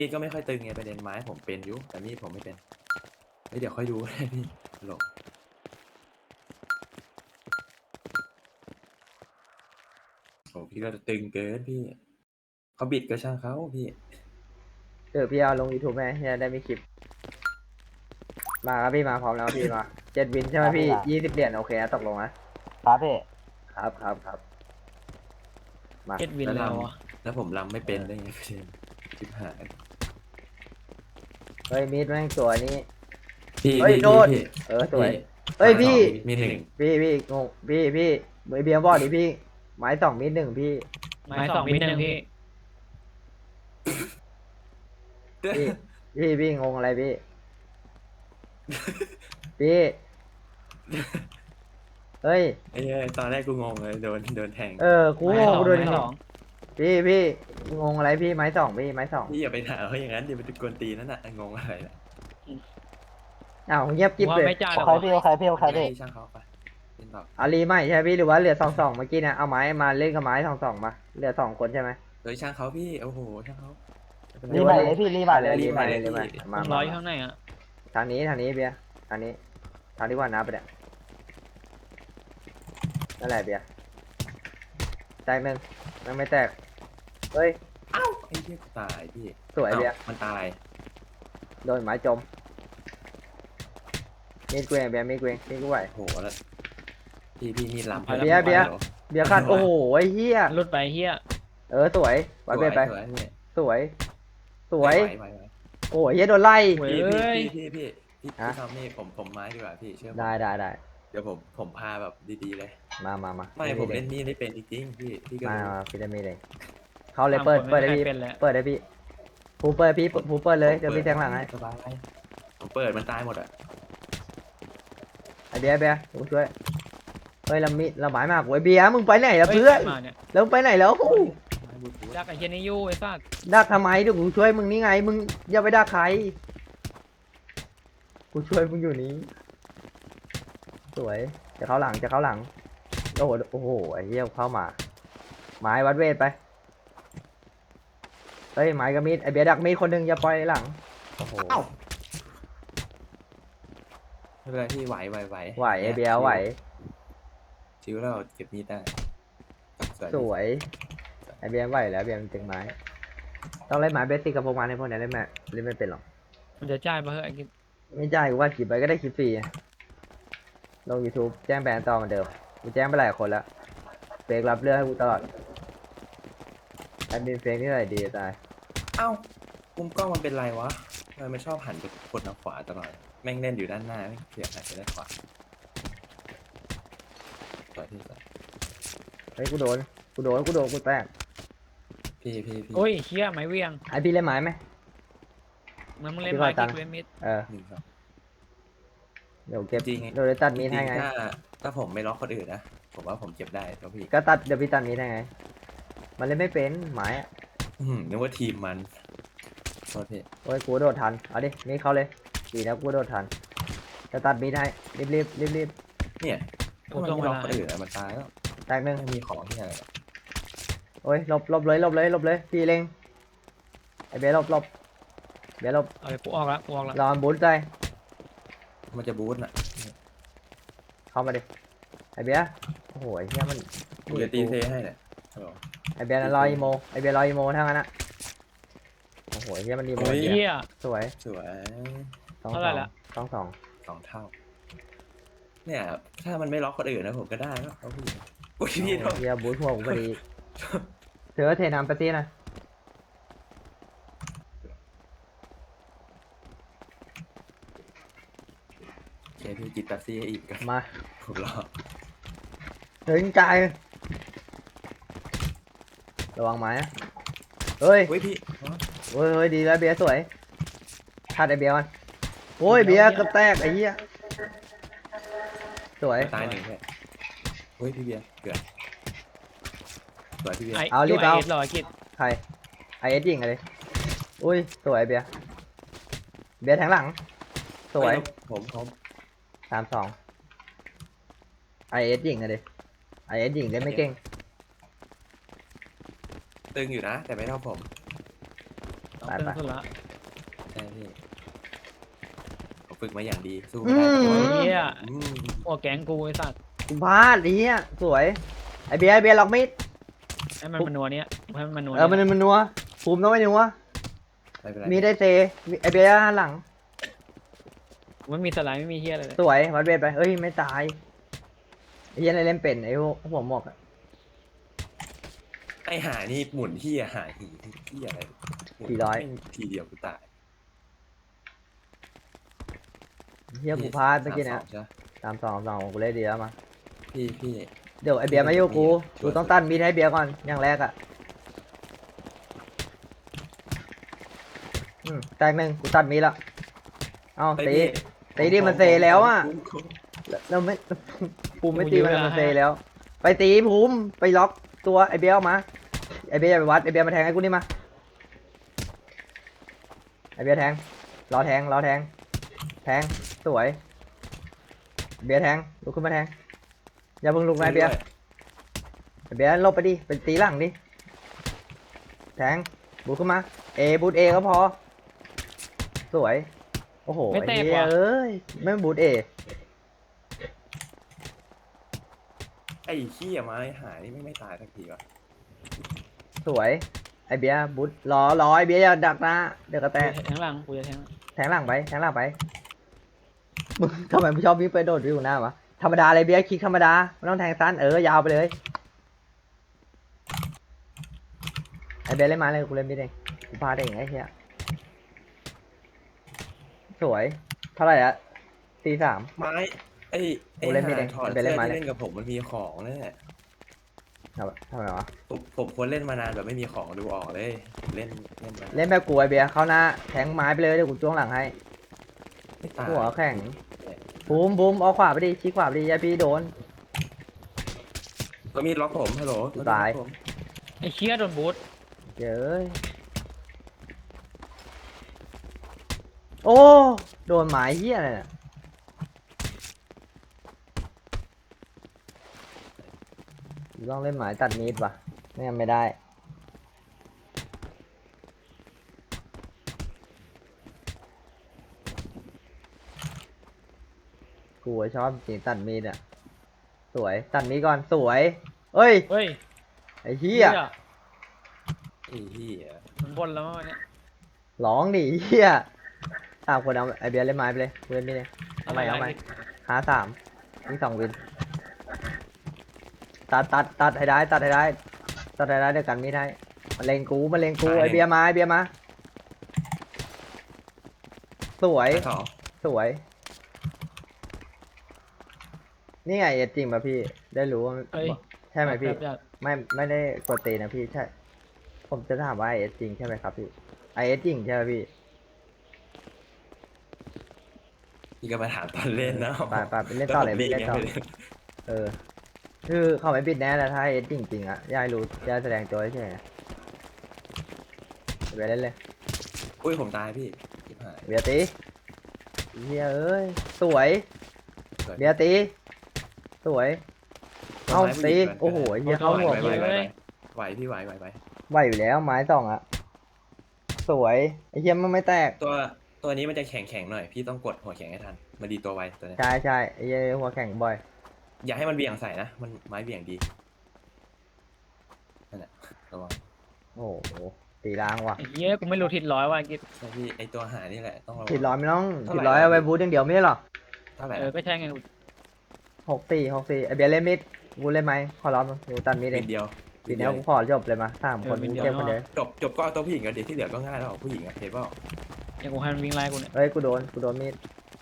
มีดก็ไม่ค่อยตึงไงประเด็นไม้ผมเป็นอยู่แต่มีดผมไม่เป็นเฮ้ยเดี๋ยวค่อยดูก็ได้พี่หลบโอ้พี่ก็ตึงเกินพี่เขาบิดก็ช่างเขาพี่พี่เอาลง YouTube ไหมจะได้มีคลิปมาครับพี่มาพร้อมแล้วพี่มา7 วินใช่ไหมพี่20 เหรียญโอเคนะตกลงนะครับพี่ครับมา 7 วินแล้วแล้ววะแล้วผมรำไม่เป็นได้ไงประเด็นชิบหายเฮ้ยมีดแม่งตัวนี้พี่เฮ้ยพี่โดนพี่สวยพี่เฮ้ยพี่มีหนึ่งพี่งงพี่มือเบียร์บอดดิพี่ไม้2มีด1พี่ไม้2 วินหนึ่งพี่พี่งงอะไรพี่พี่เฮ้ยไอ้เหี้ยตอนแรกกูงงเลยโดนแทงกูไม้งสงองกูโดนไม้สองพี่งงอะไรพี่ไม้2พี่ไม้2 พี่อย่าไปถามเขาอย่างนั้นเดี๋ยวไปกวนตีนนั่นน่ะงงอะไรน่ะอ้าวเงียบกิ๊บว่าเลยไม่จ้าหรอกใครวะพี่ใครพี่ใครพี่ให้ช่างเขาไปเป็นแบบอารีใหม่ใช่ไหมพี่หรือว่าเหลือ2-2เมื่อกี้เนี่ยเอาไม้มาเล่นกับไม้2-2มาเหลือ2 คนใช่ไหมเฮ้ยช่างเขาพี่โอ้โหช่างเขารีใหม่เลยพี่รีใหม่เลยรีใหม่เลยรีรีใหใหม่ม่เลยมาผมรออยู่ข้างในอ่ะทางนี้เบียร์ทางนี้กว่าน้าไปเนี่ยนั่นแหละเบียร์แตกหนึ่งยังไม่แตกเฮ้ยเอ้าไอ้เหี้ยกูตายพี่สวยเบียร์มันตายโดนไม้จมมีดเกวงเบียร์มีดเกวงมีดกูไหวโอ้โหแล้วพี่มีลำเบียร์เบียร์ เบียร์ขัดโอ้โหไอ้เหี้ยรุดไปเฮียสวยไว้เบียร์ไปสวยพี่สวยไหวโอ้ยเหี้ยโดนไล่เว้ยพี่ฮะทำนี่ผมไม้ดีกว่าพี่เชื่อผมได้เดี๋ยวผมพาแบบดีๆเลยมาไม่ผมเล่นมีดได้เป็นจริงๆพี่ก็มารู้พี่ได้มีดเลยเขาเลยเปิดได้พี่เป็นแล้วเปิดได้พี่ผูเปิดพี่ผูเปิดเลยเดี๋ยวพี่แทงหลังให้สบายผมเปิดมันตายหมดอ่ะไอเบียร์กูช่วยเฮ้ยละหมายมากโว้ยเบียร์มึงไปไหนล่ะเพื่อนมาเนี่ยแล้วมึงไปไหนแล้วดักไอ้เฮียนี่อยู่ไอ้สัสดักทำไมเดี๋ยวกูช่วยมึงนี่ไงมึงอย่าไปดักใครกูช่วยมึงอยู่นี้สวยจะเข้าหลังโอ้โหไอ้เหี้ยเข้ามาไม้วัดเวทไปเฮ้ยไม้กับมีดไอเบียร์ดักมีดคนหนึงอย่าปล่อยหลังโอ้โหเอ้าไม่เป็นไรพี่ไหวไหวไอเบียร์ไหวชิวเราเก็บมีดได้สวยไอเบียร์ไหวแล้วเบียร์มันเต็งไม้ต้องเล่นไม้เบสติกกับพวกมันในพวกนี้เล่นไม่เป็นหรอกมันจะจ่ายปะเฮ้ยไอ้กิ๊บไม่จ่ายกูว่าคลิปไปก็ได้คลิปฟรีลง YouTube แจ้งแบนต่อเหมือนเดิมกูแจ้งไปหลายคนแล้วเฟกรับเรื่องให้กูตลอดแอดมินเฟกนี่อะไรดีจะตายเอ้ามุมกล้องมันเป็นไรวะทำไมมันชอบหันไปกดทางขวาตลอดแม่งเล่นอยู่ด้านหน้าไม่เสียหันไปด้านขวาต่อที่สุดเฮ้ยกูโดนกูแตกพี่โอ้ยเฮียไม้เวียงไอพี่เล่นไม้ไหมมันมึงเล่นพี่ไม้ขอตักิ๊งค์กเล่นมิดเออหนึ่งสองเดี๋ยวเก็บจริงไงเดี๋ยวได้ตัดมีดให้จริไงงๆถ้าผมไม่ล็อกคนอื่นนะผมว่าผมเก็บได้แล้วพี่ก็ตัดเดี๋ยวพี่ตัดมีดให้ไง มันเล่นไม่เป็นไม้อะนึกว่าทีมมันโทษพี่โอ้ยกูโดดทันเอาดิมีดเข้าเลยดีนะกูโดดทันจะตัดมีดให้รีบเนี่ยถ้ามันไม่ล็อกคนอื่นอะมันตายแล้วแตกหนึ่งไม่มีของที่อะไรหรอกโอ้ยหลบเลยพี่เล็งไอเบียร์หลบเบียร์หลบเอาไปกูออกละรอมันบูทใจมันจะบูทน่ะเข้ามาดิไอเบียร์โอ้โหไอ้เหี้ยมันกูจะตีเซให้เนี่ยฮัลโหลไอเบียร์รออีโมไอเบียร์รออีโมทั้งนั้นอะโอ้โหไอ้เหี้ยมันอีโมโอ้ยเฮียสวยสวยสองเท่าไหร่ละสอง 2 เท่า เนี่ยถ้ามันไม่ล็อกคนอื่นนะผมก็ได้แล้วเอาพี่อุ้ยพี่โทษเหี้ยบูทหัวผมพอดีเธอเทน้ำไปตีนะโอเคพี่จิตตัดซี่ให้อีกกันมาผมรอถึงใจระวังไม้นะเฮ้ยเฮ้ยพี่เฮ้ยดีแล้วเบียร์สวยคัดไอเบียร์มันโอ้ยเบียร์กระแตกไอ้เหี้ยสวยตายหนึ่งเลยเฮ้ยพี่เบียร์เกิดสวยพี่เบียร์ไอ้เอารีบเอาไอ้รอไอ้กิ๊บใครไอเอสยิงอะไรอุ้ยสวยเบียร์แทงหลังสวยผม 3-2ไอเอสยิงอะไรไอเอสยิงเล่นไม่เก่งตึงอยู่นะ แต่ไม่เท่าผมต้องไปตึงไปสุดละใช่พี่ผมฝึกมาอย่างดีสู้อืไม่ได้มโอ้ยเฮียอืมหัวแก๊งกูไอ้สัตว์กูพลาดไอ้เหี้ยสวยไอเบียร์ไอเบียร์ล็อกมิดให้มันมันนัวเนี้ยให้มันนัวเออมันเนี้ยมันนัวภูมิต้องไม่นัวไม่เป็นไรมีได้เซไอเบียร์หันหลังไม่มีสไลด์ไม่มีเฮียอะไรเลยสวยวัดเบสไปเอ้ยไม่ตายไอ้เหี้ยอะไรเล่นเป็นไอ้พวกหัวหมอกอะไอหานี่หมุนที่หาหีที่อะไรหมุนแม่งทีเดียวกูตายเหี้ยกูพลาดเมื่อกี้นะ 32ใช่ปะ 3-2กูเล่นดีแล้วมาพี่เดี๋ยวไอเบียร์มาอยู่กูกูต้องตั้นมีดให้เบียร์ก่อนอย่างแรกอะแตกหนึ่งกูตัดมีดละเอาไอ้ตีพี่ตีดิมันเซแล้วอะเราไม่ ภูมิไม่ตีมันเซแล้ว ไปตีภูมิไปล็อกตัวไอเบียร์ออกมาไอเบียร์อย่าไปวัดไอเบียร์มาแทงให้กูนี่มาไอเบียร์แทงรอแทงแทงสวยเบียร์แทงลุกขึ้นมาแทงอย่าเพิ่งลุกนะไอเบียร์ ไอ้เบียร์ลบไปดิเป็นตีหลังดิแทงบูทขึ้นมาบูทก็พอสวยโอ้โหไม่ไอ้เตะเหี้ยว่ะเอ้ยไม่บูทไอ้ขี้ยไม้หานี่ไม่ตายสักทีวะสวยไอ้เบียร์บูทรอไอ้เบียร์อย่าดักนะเดี๋ยวกระแตกแทงหลังกูจะแทงแทงหลังไปมึงทำไมไม่ชอบวิ่งไปโดดวิ่งหน้าวะธรรมดาเลยเบียร์คลิกธรรมดาไม่ต้องแทงสั้นยาวไปเลยไอ้เบียร์เล่นมาเลยกูเล่นไม่ได้กูพาได้เองไอ้เหี้ยสวยเท่าไหร่อะ4-3 ไม้ไอ้โอ้เล่นไม่ได้ถอดไปเสื้เล่อนไม้ที่เลยเล่นกับผมมันมีของนั่นแหละทำไมวะผมควรเล่นมานานแบบไม่มีของดูออกเลยเล่นมาเล่นแบบกูไอเบียร์เข้าหน้าแทงไม้ไปเลยเดี๋ยวกูจ้วงหลังให้ไม่ตายหัวแข็งบูมเอาขวาไปดิชี้ขวาไปดิยายพี่โดนก็มีล็อกผมฮัลโหลตายล็อกผมไอ้เคียโดนบูทเย้ยโอ้โดนหมายเหี้ยอะไรเนี่ยต้องเล่นหมายตัดมีดว่ะไม่งั้นไม่ได้กูชอบจริงตัดมีดอ่ะสวยตัดมีดก่อนสวยเอ้ยเฮ้ยไอ้เหี้ยไอ้เหี้ยมันบนแล้วมั้งวันเนี้ยร้องดิเฮีย3 คนเอาไอเบียร์เล่นไม้ไปเลยกูเล่นไม่ได้เอาใหม่หา3มี2 วินตัดให้ได้ตัดให้ได้เดี๋ยวกันไม่ได้มาเลงกูไอเบียร์มาสวยไอ้สองสวยนี่ไงจริงป่ะพี่ได้รู้ว่าเฮ้ยใช่ไหมพี่แบบไม่ได้กดตีนะพี่ใช่ผมจะถามว่าจริงใช่ไหมครับพี่จริงใช่ไหมพี่พี่ก็มาถามตอนเล่นนะไปเล่นต่อเลยแวผมเล่นต่อไงคือเขาไม่ปิดแน่แต่ถ้าจริงๆอ่ะยายรู้ยายแสดงตัวใช่ไหมไปเล่นเลยอุ้ยผมตายพี่ชิบหายเบียร์ตีเฮียเอ้ยสวยสวยเบียร์ตีสวยเอาไม้ผู้หตีญิงก่นโอ้โหเฮียเข้าหัวไหวพี่ไหวไหวอยู่แล้วไม้2อ่ะสวยไอ้เฮียมันไม่แตกตัวนี้มันจะแข็งหน่อยพี่ต้องกดหัวแข็งให้ทันมาดีตัวไวตัวนี้ใช่ไอ้เฮียหัวแข็งบ่อยอย่าให้มันเบี่ยงใส่นะมันไม้เบี่ยงดีนั่นแหละระวังโอ้โหตีล้างว่ะไอ้เฮียกูไม่รู้ทิศร้อยว่ะไอ้กิ๊บใช่พี่ไอตัวหานี่แหละต้องระวังผิดร้อยไม่ต้องเท่าไหร่ผิดร้อยเอาไว้บูทอย่างเดียวไม่ใช่หรอเท่าไหร่ก็ใช่ไง 6-4ไอ้เบียร์เล่นมิดกูเล่นไหมขอร้องกูตัดมิดเอนิงดเดียวทีนี้กูขอจบเลยมา3 คนกูเก็บคนเดียวจบก็เอาตัวผู้หญิงกันเดี๋ยวที่เหลือก็ง่ายแล้วผู้หญิงอะเห็นเปล่าอย่างกูให้มันวิ่งไล่กูเนี่ยเฮ้ยกูโดนมีด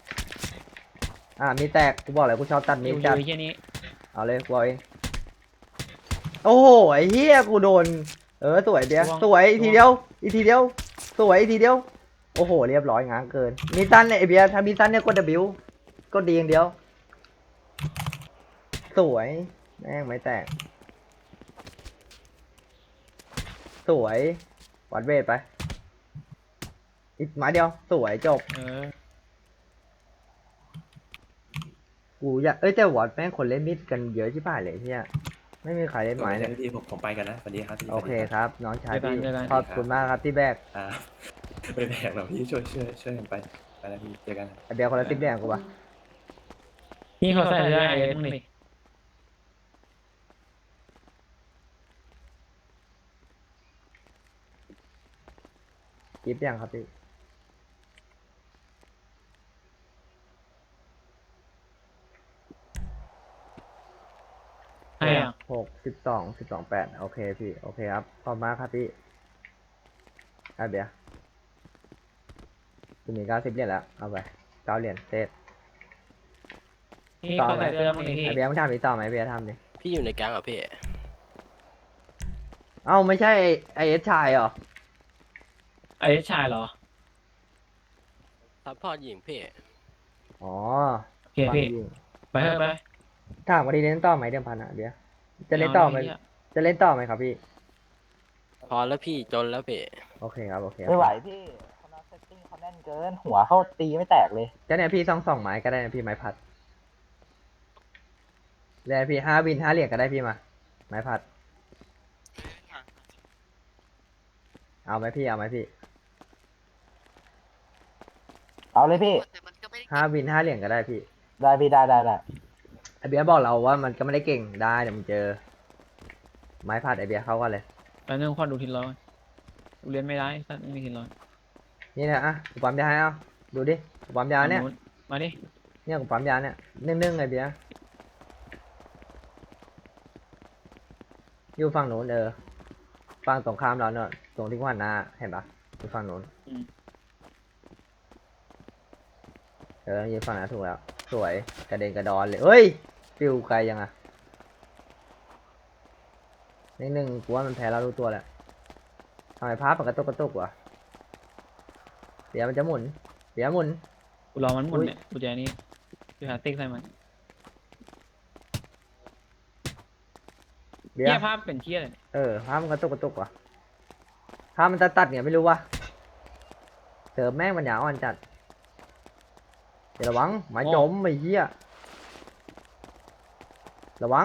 มีดแตกกูบอกเลยกูชอบตัดมีดอยู่จัดไอ้เฮียนี้เอาเลยกูเอาเองโอ้โหไอ้เหี้ยกูโดนสวยเบียร์สวยอีกทีเดียวสวยอีกทีเดียวโอ้โหเรียบร้อยง้างเกินมีตันเนี่ยไอเบียร์ถ้ามีตันเนี่ยกด W ก็ดีอย่างเดียวสวยแม่งไม่แตกสวยวัดเวทไปอีกไม้เดียวสวยจบ กูอยากแต่วอดแม่งคนเล่นมิดกันเยอะชิบหายเลยเฮียไม่มีใครเล่นไม้เลยพี่ผมไปกันนะสวัสดีครับพี่โอเคครับ น้องชายพี่เจอกันขอบคุณมากครับที่แบกอ่าไปแบกเราพี่ช่วยกันไปแล้วพี่เจอกันไอเบียร์คนละ10 เหรียญกูปะพี่เขาใส่เสื้อไอ้มึงดิกิฟต์ยังครับพี่ให้อ่ะ 6 12 12 8โอเคพี่โอเคครับขอบคุณมากครับพี่ไอเบียร์กูมี90 เหรียญแล้วเอาไป9 เหรียญเซตพี่เขาใส่เสื้อมึงดิพี่ไอเบียร์มึงทำอีกต่อไหมไอเบียร์ทำดิพี่อยู่ในแก๊งเหรอพี่เอ้าไม่ใช่ไอเอสชายเหรอไอ้ชายเหรอซัพพอร์ตหญิงพี่อ๋อโอเคพี่ ไปเถอะไปถามว่าดีเล่นต่อไหมเดิมพันอ่ะเบียร์จะเล่นต่อไหมาดิเหี้ยจะเล่นต่อไหมครับพี่พอแล้วพี่จนแล้วพี่โอเคครับโอเคไม่ไหวพี่คณะเซตติ้งเขาแน่นเกิน หัวเข้าตีไม่แตกเลยก็เนี่ยพี่2 ไม้ก็ได้นะพี่ไม้พัดแล้วพี่5 วิน 5 เหรียญก็ได้พี่มาไม้พัดเอาไหมพี่เอาไหมพี่เอาเลยพี่ 5 วิน 5 เหรียญก็ได้พี่ได้พี่ได้ไอเบียร์บอกเราว่ามันก็ไม่ได้เก่งได้เดี๋ยวมึงเจอ ไม้พัดไอเบียร์เข้ากันเลยแล้วนึงขอดูทิศร้อยกูเรียนไม่ได้สัตว์ไม่มีทิศร้อยนี่นะอ่ะกูปั๊มยาให้เอาดูดิกูปั๊มยาเนี่ยมาดิเนี่ยกูปั๊มยาเนี่ยนึ่งไอเบียร์อยู่ฝั่งนู้นฝั่งตรงข้ามเราเนอะตรงที่กูหันหน้าเห็นปะอยู่ฝั่งนู้นยืนฝั่งนั้นถูกแล้วสวยกระเด็นกระดอนเลยเฮ้ยฟิวไกลยังอ่ะนึ่งกูว่ามันแพ้เรารู้ตัวแล้วทำไมภาพมันกระตุกวะเดี๋ยวมันจะหมุนเดี๋ยวหมุนกูรอมันหมดเนี่ยกูจะนี่กูหาติ๊กใส่มันเดี๋ยเหี้วยภาพเป็นเหี้ยเลยเนี่ยภาพมันกระตุกวะภาพมันตัดเนี่ยไม่รู้วะเสิร์ฟแม่งมันหยาอ่อนจัดเดี๋ยวระวังหมาจมไอ้เหี้ยระวัง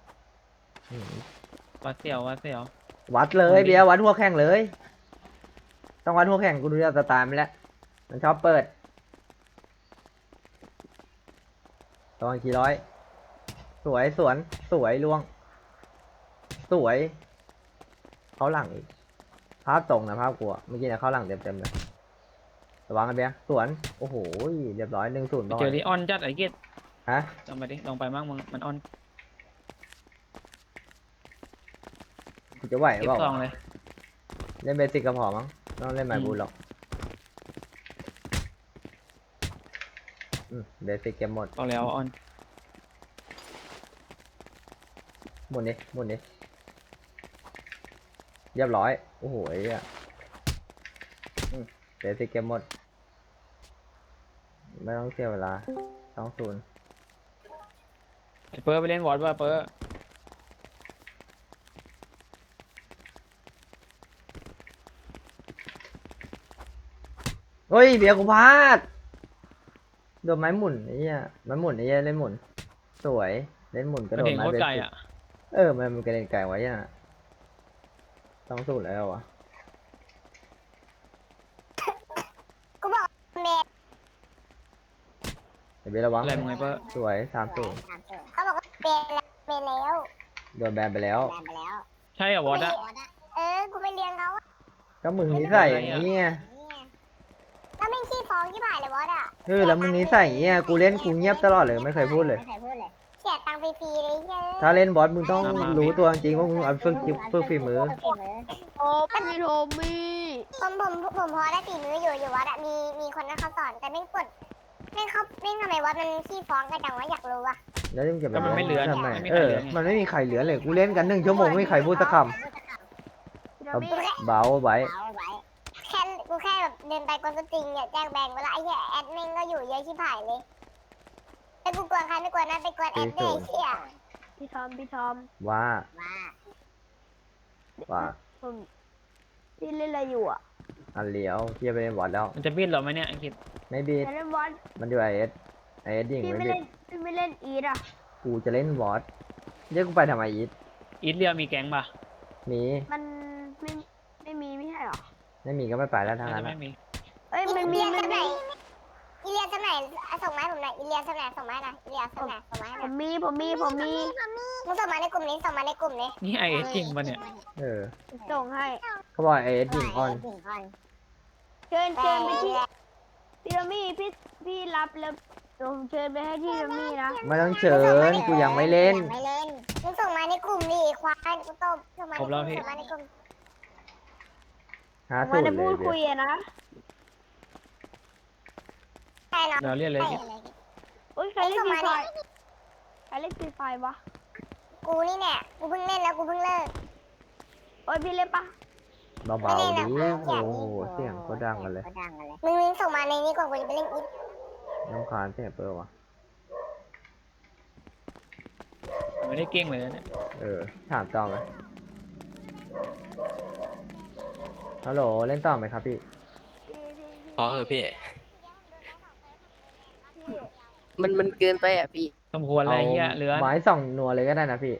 วัดเสียววัดเสียววัดเลยเบียร์วัดหัวแข่งเลย ต้องวัดหัวแข่งกูดูจากสไตล์มันแล้วมันชอบเปิดตอนกี่ร้อยสวยสวนสวยล่วง สวย เขาหลังอีกภาพตรงนะภาพกลัวเมื่อกี้เนี่ยเขาหลังเต็มเลยระวังกันเบียร์สวนโอ้โหเรียบร้อย1-0 ไปเจอที่ออนจัดไอ้เกตฮะลองไปดิลองไปมั่งมึงมันออนกูจะไหวเก็บเปล่าซองเลยเล่นเบสิกก็พอมั้งไม่ต้องเล่นไมบูลหรอกเบสิกเกมหมดพอแล้วออนหมุนดิหมุนดิเรียบร้อยโอ้โหไอ้เหี้ยเบสิกเกมหมดไม่ต้องเสียเวลา2-0 ไอ้เปอร์ไปเล่นวอร์ดว่าเปอร์เฮ้ยเบียร์กูพลาดโดนไม้หมุนไอ้เหี้ยไม้หมุนไอ้เหี้ยเล่นหมุนสวยเล่นหมุนกระมันโดดเห็นไม้โคตเบรไกลสิกอ่ะมันกระเด็นไกลไว้ยัง2-0แล้ววะเดี๋ยวเบียร์ระวังอะไรมึงไงเปอร์สวย3-0 เขาบอกว่าเป็นแล้วโดนแบนไปแล้วแบนไปแล้วใช่เหรอวอร์ดอะกูไม่เลี้ยงเขาอะก็มึงนิสัยอย่างนี้ไงแล้วไม่งขี้ฟ้องที่บ่ายเลยวอดอ่ะแล้วมึงนิสัยอย่างนี้ไงกูเล่นกูเงียบตลอดเลยไม่เคยพูดเลยไม่เคยพูดเลยเสียตังค์ฟรีๆเลยเฮ้ยถ้าเล่นบอสมึงต้องรู้ตัวจริงว่ามึงเอาฝึกฝีมือโอ้พี่โทมี่ผมพอได้ฝีมืออยู่วัดอะมีคนนั้นเขาสอนแต่ไม่งกดไม่งเขาไม่งทำไมวัดมันขี้ฟ้องกันจังวะอยากรู้อะแล้วมึงจะไปก็มันไม่เหลือทำไมไม่มีใครเหลือไงมันไม่มีใครเหลือเลยกูเล่นกัน1 ชั่วโมงไม่มีใครพูดสักคพี่โทำมี่เบาไว้เอาไว้กูแค่แบบเดินไปกวนสตริงเนี่ยแจ้งแบงเวลาไอ้เหี้ยแอดมินก็อยู่เยอะชิบหายเลยแต่กูกวนใครไม่กวนนะไปกวนแอดเดย์เชี่ยพี่ทอมว่าว่าว่าผมพี่เล่นอะไรอยู่อ่ะอันเลี้ยวเทียบไปเล่นบอสแล้วมันจะบิดเหรอไหมเนี่ยอังกฤษไม่บีดจะเล่นบอลมันอยู่ไอเอสยิงพี่ไม่ไม่บีเล่ดนพี่ไม่เล่นอีดอ่ะกูจะเล่นบอสเรียกกูไปทำไมอีทอีทเรียมีแก๊งป่ะมีมันไม่มีไม่ใช่หรอไม่มีก็ไม่ไปแล้วทางน่านั้จะนไม่อะมีเอ้ยมันมีอีเลียสไหนอีเลียสไหนส่งมาให้ผมหน่อยอีเลียสไหนส่งมาให้หน่อยอีเลียสไหนส่งมาให้หผน่อยมมีมึงส่งมาในกลุ่มนี้ส่งมาในกลุ่มนี้นี่ไอเอสจริงป่ะเนี่ยเออส่งให้เขาบอกเอสหิงอ่อนเชิญไปที่พี่โรมี่พี่รับแล้วผมเชิญไปให้ที่โรมี่นะไม่ต้องเชิญกูยังไม่เล่นมึงส่งมาในกลุ่มดิควายกูตบส่งมาในครบกแล้ลุ่วมพี่ส่งมาในกลุ่มหามาสูตรจะเลพูดยเบีคุยยร์อะนะใช่เนาะเดี๋ยวเรียกเลยใช่พี่เลยโอ้ยใครเล่นฟรีไฟใครเล่นฟรีไฟวะกูนี่เนี่ยกูเพิ่งเล่นแล้วกูเพิ่งเลิกโอ้ยพี่เล่นปะเบาๆดิโอ้โหเสียงก็ดังกันเลยมึงส่งมาในนี้ก่อนกูจะไปเล่นอีฟน้ำคาญเสียงเปิดวะไม่ได้เก่งเลยนะเนี่ยเออถามต่อไหมฮัลโหลเล่นต่อไหมครับพี่พอเถอะพี่มันเกินไปอ่ะพี่สมควรอะไรเงี้ยเหลือไม้ส่องนัวเลยก็ได้นะพี่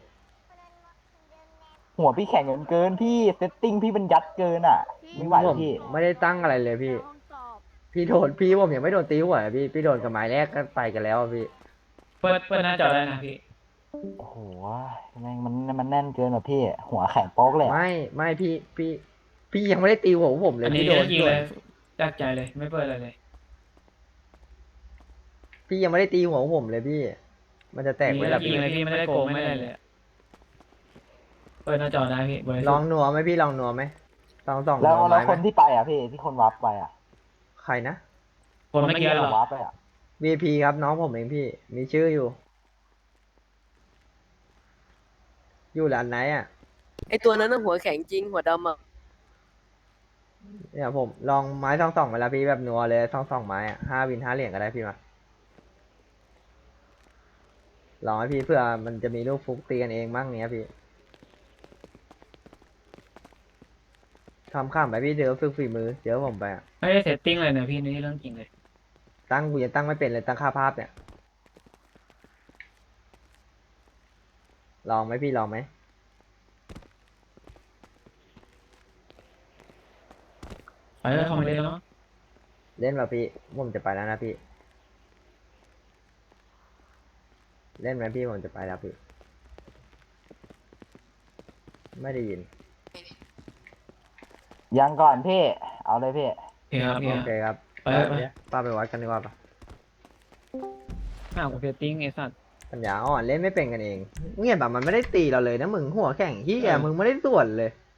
หัวพี่แข็งเกินพี่เซตติ้งพี่มันยัดเกินอ่ะไม่ไหวผมพี่ไม่ได้ตั้งอะไรเลยพี่ห้องสอบพี่โดนพี่ผมยังไม่โดนตีหัวเลยพี่โดนกับไม้แรกก็ไปกันแล้วอะพี่เปิดหน้าจอได้นะพี่โอ้โหแม่งมันแน่นเกินอ่ะพี่ หัวแข็งโป๊กเลยอะไม่พี่ยังไม่ได้ตีหัวผมเลยอันนี้พี่โดนจริงเลยจากใจเลยไม่เปิดอะไรเลยพี่ยังไม่ได้ตีหัวผมเลยพี่ มันจะแตกไว้แล้วจริงพี่เลยพี่ไม่ได้โกงไม่ได้เลยเปิดหน้าจอได้พี่บริลสุอทงธิ์นัวไหมพี่ลองนัวไหมส่องแล้วนัวแล้วไม้คนไหมที่ไปอ่ะพี่ที่คนวับไปอ่ะใครนะคนเมื่อกี้เหรอวับไปอ่ะ VP ครับน้องผมเองพี่ มีชื่ออยู่ อยู่ร้านไหนอ่ะไอตัวนั้นน่ะหัวแข็งจริงหัวดำอ่ะเนี่ยผมลองไม้ส่องเวลาพี่แบบนัวเลยส่องไม้อ่ะ5 วิน 5 เหรียญก็ได้พี่มาลองให้พี่เพื่อมันจะมีลูกฟุกตีกันเองบ้างเนี้ยพี่ทำข้ามไปพี่เดี๋ยวฝึกฝีมือเดี๋ยวผมไปอ่ะไม่ได้เซตติ้งเลยนะพี่นี่เรื่องจริงเลยตั้งกูยังตั้งไม่เป็นเลยตั้งค่าภาพเนี่ย ลองไหมพี่ลองไหมไปแล้วทำไมได้แล้วเล่นป่ะพี่ผมจะไปแล้วนะพี่ เล่นไหมพี่ผมจะไปแล้วพี่ ไม่ได้ยินยังก่อนพี่เอาเลยพี่โอเคครับพี่โอเคครับไปไปป้าไปวัดกันดีกว่าปะห้าวกับเซตติ้งไอ้สัตว์ปัญญาอ่อนเล่นไม่เป็นกันเองเงียบแบบมันไม่ได้ตีเราเลยนะมึงหัวแข่งที่แกมึงไม่ได้ส่วนเลย